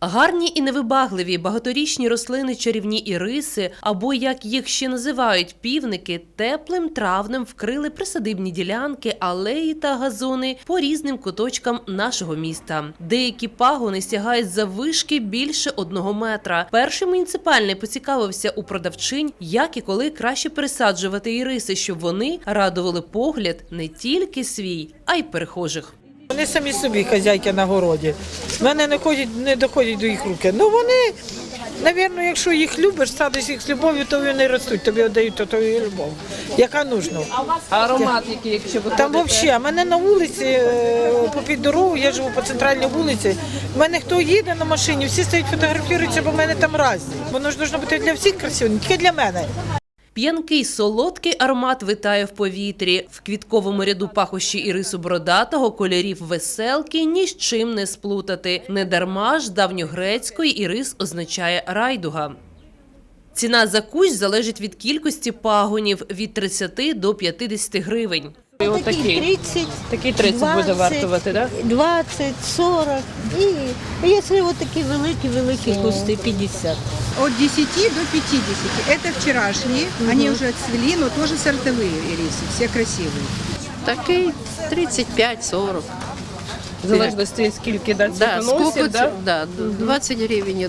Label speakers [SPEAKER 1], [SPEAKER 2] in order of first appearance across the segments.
[SPEAKER 1] Гарні і невибагливі багаторічні рослини чарівні іриси, або, як їх ще називають, півники, теплим травнем вкрили присадибні ділянки, алеї та газони по різним куточкам нашого міста. Деякі пагони сягають заввишки більше 1 метра. Перший муніципальний поцікавився у продавчинь, як і коли краще пересаджувати іриси, щоб вони радували погляд не тільки свій, а й перехожих.
[SPEAKER 2] Вони самі собі хазяйки на городі. В мене не доходять до їх руки. Ну вони, мабуть, якщо їх любиш, садиш їх з любов'ю, то вони ростуть, тобі віддають твою любов, яка нужна.
[SPEAKER 3] А аромат який, якщо ви
[SPEAKER 2] там взагалі, мене на вулиці, попід дорогу, я живу по центральній вулиці, в мене хто їде на машині, всі стоять фотографуються, бо в мене там різні. Воно ж має бути для всіх красиво, не тільки для мене.
[SPEAKER 1] П'янкий солодкий аромат витає в повітрі. В квітковому ряду пахощі ірису бородатого, кольорів веселки ні з чим не сплутати. Недарма ж давньогрецької ірис означає райдуга. Ціна за кущ залежить від кількості пагонів – від 30 до 50 гривень.
[SPEAKER 3] Такий 30, такий 30 20, буде вартувати, так?
[SPEAKER 4] 20, 40 і якщо такі великі кусти 50.
[SPEAKER 5] От 10 до 50. Это вчерашние, они уже отцвели, но тоже сортовые ирисы, все красивые.
[SPEAKER 6] Такий 35-40.
[SPEAKER 3] В залежності, скільки цвітоносів,
[SPEAKER 6] да? 20 гривень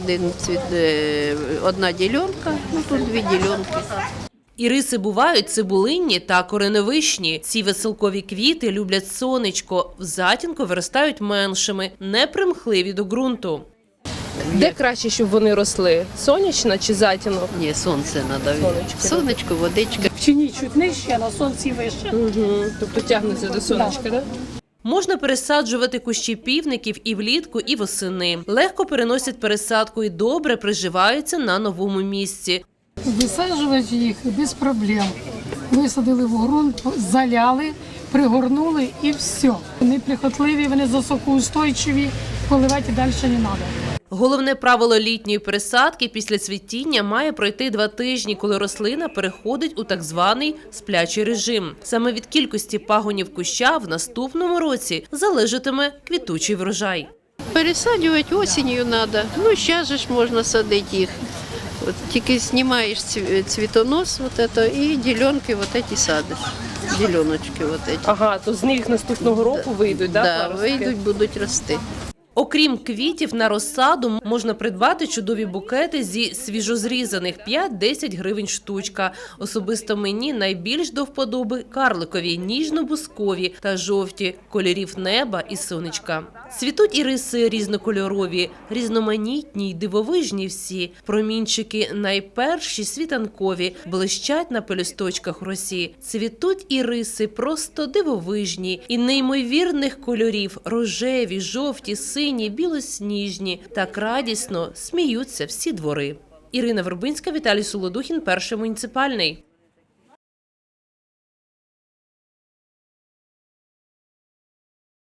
[SPEAKER 6] одна ділянка, ну тут 2 ділянки.
[SPEAKER 1] Іриси бувають цибулинні та кореневищні. Ці веселкові квіти люблять сонечко, в затінку виростають меншими, непримхливі до ґрунту.
[SPEAKER 3] Де краще, щоб вони росли? Сонячна чи затінок?
[SPEAKER 6] Ні, сонце треба. Сонечко, водичка.
[SPEAKER 7] В тіні чуть нижче, а на сонці вище.
[SPEAKER 3] Тобто тягнеться до сонечка, так?
[SPEAKER 1] Можна пересаджувати кущі півників і влітку, і восени. Легко переносять пересадку і добре приживаються на новому місці.
[SPEAKER 7] Висаджувати їх без проблем. Висадили в ґрунт, заляли, пригорнули і все. Вони прихотливі, вони засокоустойчиві, поливати далі не треба.
[SPEAKER 1] Головне правило літньої пересадки після цвітіння має пройти 2 тижні, коли рослина переходить у так званий сплячий режим. Саме від кількості пагонів куща в наступному році залежатиме квітучий врожай.
[SPEAKER 6] Пересаджувати осінню треба, ну зараз ж можна садити їх. От тільки знімаєш цвітонос і ділянки садиш, діляночки.
[SPEAKER 3] Ага, то з них наступного року вийдуть, так?
[SPEAKER 6] Так, вийдуть, будуть рости.
[SPEAKER 1] Окрім квітів, на розсаду можна придбати чудові букети зі свіжозрізаних 5-10 гривень штучка. Особисто мені найбільш до вподоби карликові, ніжно-бускові та жовті, кольорів неба і сонечка. Цвітуть іриси різнокольорові, різноманітні й дивовижні всі. Промінчики найперші світанкові, блищать на пелюсточках росі. Цвітуть іриси просто дивовижні і неймовірних кольорів – рожеві, жовті, сині, білосніжні. Так радісно сміються всі двори. Ірина Вербинська, Віталій Солодухін, Перший муніципальний.